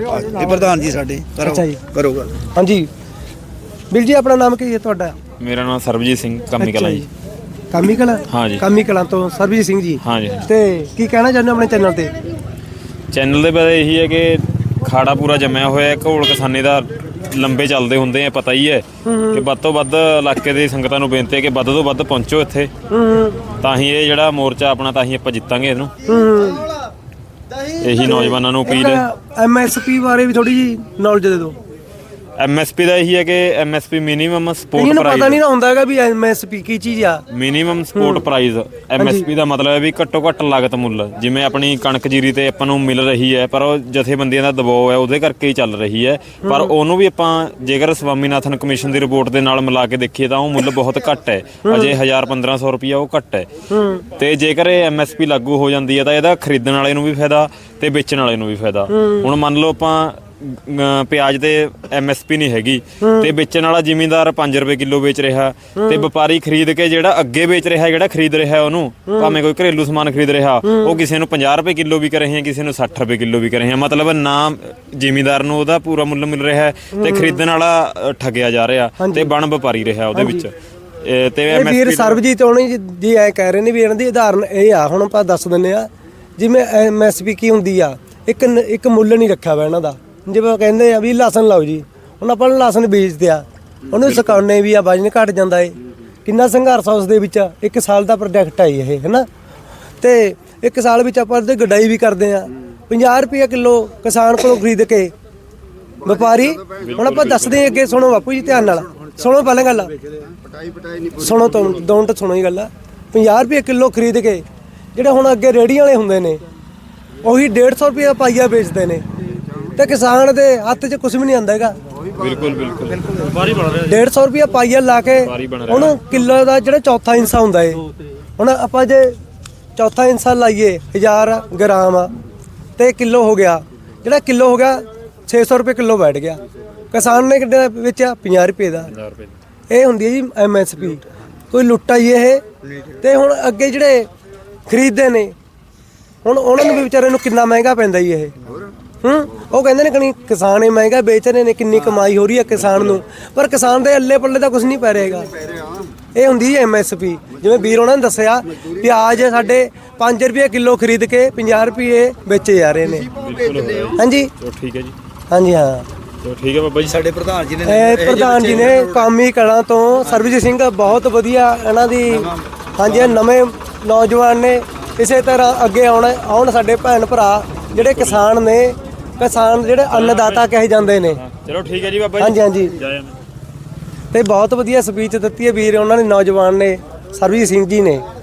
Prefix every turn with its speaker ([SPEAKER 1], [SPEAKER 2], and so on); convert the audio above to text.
[SPEAKER 1] ਇਹ ਪ੍ਰਧਾਨ ਜੀ ਸਾਡੇ
[SPEAKER 2] ਅੱਛਾ ਜੀ।
[SPEAKER 1] ਕਰੋਗਾ।
[SPEAKER 2] ਹਾਂਜੀ ਵੀਰ ਜੀ, ਆਪਣਾ ਨਾਮ ਕੀ ਹੈ ਤੁਹਾਡਾ?
[SPEAKER 3] ਮੇਰਾ ਨਾਮ ਸਰਬਜੀਤ ਸਿੰਘ ਕਾਮੀ ਕਲਾਂ ਜੀ।
[SPEAKER 2] ਕਾਮੀ ਕਲਾਂ?
[SPEAKER 3] ਹਾਂ ਜੀ।
[SPEAKER 2] ਕਾਮੀ ਕਲਾਂ ਤੋਂ ਸਰਬਜੀਤ ਸਿੰਘ ਜੀ।
[SPEAKER 3] ਹਾਂ ਜੀ।
[SPEAKER 2] ਤੇ ਕੀ ਕਹਿਣਾ ਚਾਹੁੰਦੇ ਹੋ ਆਪਣੇ ਚੈਨਲ ਤੇ?
[SPEAKER 3] ਚੈਨਲ ਦੇ ਬਾਰੇ ਇਹੀ ਹੈ ਕਿ ਖਾੜਾ ਪੂਰਾ ਜੰਮਿਆ ਹੋਇਆ, ਘੋਲ ਕਿਸਾਨੀ ਦਾ ਲੰਬੇ ਚੱਲਦੇ ਹੁੰਦੇ ਆ, ਪਤਾ ਹੀ ਹੈ ਕਿ ਵੱਧ ਤੋਂ ਵੱਧ ਇਲਾਕੇ ਦੀ ਸੰਗਤਾਂ ਨੂੰ ਬੇਨਤੀ ਹੈ ਕਿ ਵੱਧ ਤੋਂ ਵੱਧ ਪਹੁੰਚੋ ਇੱਥੇ, ਤਾਂ ਹੀ ਇਹ ਜਿਹੜਾ ਮੋਰਚਾ ਆਪਣਾ, ਤਾਂ ਹੀ ਆਪਾਂ ਜਿੱਤਾਂਗੇ ਇਹਨੂੰ। ਇਹੀ ਨੌਜਵਾਨਾਂ ਨੂੰ ਅਪੀਲ ਹੈ।
[SPEAKER 2] MSP ਬਾਰੇ ਵੀ ਥੋੜੀ ਜੀ ਨੌਲੇਜ ਦੇ ਦਿਓ।
[SPEAKER 3] MSP ਦਾ ਇਹੀ ਹੈ ਕਿ MSP ਮਿਨੀਮਮ ਸਪੋਰਟ
[SPEAKER 2] ਇਹਨਾਂ ਨੂੰ
[SPEAKER 3] ਪ੍ਰਾਈਸ।
[SPEAKER 2] ਪਤਾ ਨਹੀਂ ਨਾ ਹੁੰਦਾ ਹੈਗਾ ਵੀ MSP ਕੀ ਚੀਜ਼ ਆ।
[SPEAKER 3] ਮਿਨੀਮਮ ਸਪੋਰਟ ਪ੍ਰਾਈਸ MSP ਦਾ ਮਤਲਬ ਹੈ ਵੀ ਘੱਟੋ ਘੱਟ ਲਾਗਤ ਮੁੱਲ। ਜਿਵੇਂ ਆਪਣੀ ਕਣਕ ਜੀਰੀ ਤੇ ਆਪਾਂ ਨੂੰ ਮਿਲ ਰਹੀ ਹੈ, ਪਰ ਉਹ ਜਥੇਬੰਦੀਆਂ ਦਾ ਦਬਾਅ ਹੈ, ਉਹਦੇ ਕਰਕੇ ਹੀ ਚੱਲ ਰਹੀ ਹੈ। ਪਰ ਉਹਨੂੰ ਵੀ ਆਪਾਂ ਜੇਕਰ ਸਵਾਮੀਨਾਥਨ ਕਮਿਸ਼ਨ ਦੀ ਰਿਪੋਰਟ ਦੇ ਨਾਲ ਮਿਲਾ ਕੇ ਦੇਖੀਏ ਤਾਂ ਉਹ ਮੁੱਲ ਬਹੁਤ ਘੱਟ ਹੈ। ਅਜੇ 1000-1500 ਰੁਪਈਆ ਉਹ ਘੱਟ ਹੈ। ਤੇ ਜੇਕਰ ਇਹ MSP ਲਾਗੂ ਹੋ ਜਾਂਦੀ ਹੈ ਤਾਂ ਇਹਦਾ ਖਰੀਦਣ ਵਾਲੇ ਨੂੰ ਵੀ ਫਾਇਦਾ ਤੇ ਵੇਚਣ ਵਾਲੇ ਨੂੰ ਵੀ ਫਾਇਦਾ। ਹੁਣ ਮੰਨ ਲਓ ਆਪਾਂ ਪਿਆਜ਼ ਤੇ MSP ਨਹੀਂ ਹੈਗੀ ਤੇ ਵੇਚਣ ਵਾਲਾ ਜ਼ਿਮੀਂਦਾਰ 5 ਰੁਪਏ ਕਿਲੋ ਵੇਚ ਰਿਹਾ ਤੇ ਵਪਾਰੀ ਖਰੀਦ ਕੇ ਜਿਹੜਾ ਅੱਗੇ ਵੇਚ ਰਿਹਾ, ਜਿਹੜਾ ਖਰੀਦ ਰਿਹਾ ਉਹਨੂੰ, ਭਾਵੇਂ ਕੋਈ ਘਰੇਲੂ ਸਮਾਨ ਖਰੀਦ ਰਿਹਾ, ਉਹ ਕਿਸੇ ਨੂੰ 50 ਰੁਪਏ ਕਿਲੋ ਵੀ ਕਰ ਰਹੇ, ਕਿਸੇ ਨੂੰ 60 ਰੁਪਏ ਕਿਲੋ ਵੀ ਕਰ ਰਹੇ। ਮਤਲਬ ਨਾ ਜ਼ਿਮੀਂਦਾਰ ਨੂੰ ਉਹਦਾ ਪੂਰਾ ਮੁੱਲ ਮਿਲ ਰਿਹਾ ਤੇ ਖਰੀਦਣ ਵਾਲਾ ਠੱਗਿਆ ਜਾ ਰਿਹਾ ਤੇ ਬਣ ਵਪਾਰੀ ਰਿਹਾ ਉਹਦੇ ਵਿੱਚ। ਤੇ
[SPEAKER 2] ਵੀਰ ਸਰਬਜੀਤ ਹੋਣੀ ਜੀ ਐ ਕਹਿ ਰਹੇ ਨੇ ਵੀ ਇਹਨਾਂ ਦੀ ਉਦਾਹਰਨ ਇਹ ਆ, ਹੁਣ ਆਪਾਂ ਦੱਸ ਦਿੰਦੇ ਆ। ਜਿਵੇਂ MSP ਕੀ ਹੁੰਦੀ ਆ, ਇੱਕ ਮੁੱਲ ਨਹੀਂ ਰੱਖਿਆ ਵਾ ਇਹਨਾਂ ਦਾ। ਜਿਵੇਂ ਕਹਿੰਦੇ ਆ ਵੀ ਲਸਣ ਲਾਓ ਜੀ, ਹੁਣ ਆਪਾਂ ਲਸਣ ਬੀਜਦੇ ਆ, ਉਹਨੂੰ ਸੁਕਾਉਣੇ ਵੀ ਆ, ਵਜਨ ਘਟ ਜਾਂਦਾ ਏ। ਕਿੰਨਾ ਸੰਘਰਸ਼ ਆ ਉਸ ਦੇ ਵਿੱਚ। 1 ਸਾਲ ਦਾ ਪ੍ਰੋਜੈਕਟ ਆ ਇਹ, ਹੈ ਨਾ। ਤੇ 1 ਸਾਲ ਵਿੱਚ ਆਪਾਂ ਉਹਦੀ ਗਡਾਈ ਵੀ ਕਰਦੇ ਆ। 50 ਰੁਪਏ ਕਿਲੋ ਕਿਸਾਨ ਕੋਲੋਂ ਖਰੀਦ ਕੇ ਵਪਾਰੀ, ਹੁਣ ਆਪਾਂ ਦੱਸਦੇ ਅੱਗੇ। ਸੁਣੋ ਬਾਪੂ ਜੀ ਧਿਆਨ ਨਾਲ ਸੁਣੋ, ਪਹਿਲਾਂ ਗੱਲ ਸੁਣੋ, ਦੋਨਟ ਸੁਣੋ ਹੀ ਗੱਲ। 50 ਰੁਪਏ ਕਿਲੋ ਖਰੀਦ ਕੇ ਜਿਹੜੇ ਹੁਣ ਅੱਗੇ ਰੇਹੜੀਆਂ ਵਾਲੇ ਹੁੰਦੇ ਨੇ, ਉਹੀ 150 ਰੁਪਏ ਪਾਈਆ ਵੇਚਦੇ ਨੇ ਤੇ ਕਿਸਾਨ ਦੇ ਹੱਥ 'ਚ ਕੁਝ ਵੀ ਨਹੀਂ ਆਉਂਦਾ ਹੈਗਾ।
[SPEAKER 3] ਬਿਲਕੁਲ
[SPEAKER 2] 150 ਰੁਪਏ ਪਾਈਆ ਲਾ ਕੇ ਉਹਨੂੰ ਕਿਲੋ ਦਾ ਜਿਹੜਾ ਚੌਥਾ ਹਿੱਸਾ ਹੁੰਦਾ ਏ। ਹੁਣ ਆਪਾਂ ਜੇ ਚੌਥਾ ਹਿੱਸਾ ਲਾਈਏ 1000 ਗ੍ਰਾਮ ਤੇ ਕਿਲੋ ਹੋ ਗਿਆ, ਜਿਹੜਾ ਕਿਲੋ ਹੋ ਗਿਆ 600 ਰੁਪਏ ਕਿਲੋ ਬੈਠ ਗਿਆ। ਕਿਸਾਨ ਨੇ ਕਿੰਨੇ ਵੇਚਿਆ? 50 ਰੁਪਏ ਦਾ। ਇਹ ਹੁੰਦੀ ਹੈ ਜੀ MSP। ਕੋਈ ਲੁੱਟਾ ਹੀ ਇਹ। ਤੇ ਹੁਣ ਅੱਗੇ ਜਿਹੜੇ ਖਰੀਦਦੇ ਨੇ, ਹੁਣ ਉਹਨਾਂ ਨੂੰ ਵੀ ਵਿਚਾਰੇ ਨੂੰ ਕਿੰਨਾ ਮਹਿੰਗਾ ਪੈਂਦਾ ਜੀ ਇਹ। ਉਹ ਕਹਿੰਦੇ ਨੇ ਕਣੀ ਕਿਸਾਨ ਹੀ ਮਹਿੰਗਾ ਵੇਚ ਰਹੇ ਨੇ, ਕਿੰਨੀ ਕਮਾਈ ਹੋ ਰਹੀ ਹੈ ਕਿਸਾਨ ਨੂੰ, ਪਰ ਕਿਸਾਨ ਦੇ ਅੱਲੇ ਪੱਲੇ ਦਾ ਕੁਝ ਨਹੀਂ ਪੈ ਰਹੇਗਾ। ਇਹ ਹੁੰਦੀ ਹੈ MSP। ਜਿਵੇਂ ਵੀਰ ਉਹਨਾਂ ਨੇ ਦੱਸਿਆ, ਪਿਆਜ਼ ਸਾਡੇ 5 ਰੁਪਏ ਕਿਲੋ ਖਰੀਦ ਕੇ 50 ਰੁਪਏ ਵੇਚੇ ਜਾ ਰਹੇ ਨੇ। ਹਾਂਜੀ
[SPEAKER 3] ਠੀਕ ਹੈ ਜੀ।
[SPEAKER 2] ਹਾਂਜੀ ਹਾਂ
[SPEAKER 3] ਠੀਕ ਹੈ ਬਾਬਾ ਜੀ।
[SPEAKER 1] ਸਾਡੇ ਪ੍ਰਧਾਨ ਜੀ ਨੇ
[SPEAKER 2] ਪ੍ਰਧਾਨ ਜੀ ਨੇ ਕਾਮੀ ਕਲਾਂ ਤੋਂ ਸਰਬਜੀਤ ਸਿੰਘ, ਬਹੁਤ ਵਧੀਆ ਇਹਨਾਂ ਦੀ। ਹਾਂਜੀ, ਨਵੇਂ ਨੌਜਵਾਨ ਨੇ, ਇਸੇ ਤਰ੍ਹਾਂ ਅੱਗੇ ਆਉਣ ਸਾਡੇ ਭੈਣ ਭਰਾ ਜਿਹੜੇ ਕਿਸਾਨ ਨੇ, ਕਿਸਾਨ ਜਿਹੜੇ ਅੰਨਦਾਤਾ ਕਹੇ ਜਾਂਦੇ ਨੇ।
[SPEAKER 3] ਚਲੋ ਠੀਕ ਹੈ ਜੀ ਬਾਬਾ ਜੀ।
[SPEAKER 2] ਹਾਂਜੀ ਹਾਂਜੀ। ਤੇ ਬਹੁਤ ਵਧੀਆ ਸਪੀਚ ਦਿੱਤੀ ਹੈ ਵੀਰ ਉਹਨਾਂ ਨੇ, ਨੌਜਵਾਨ ਨੇ, ਸਰਬਜੀਤ ਸਿੰਘ ਜੀ ਨੇ।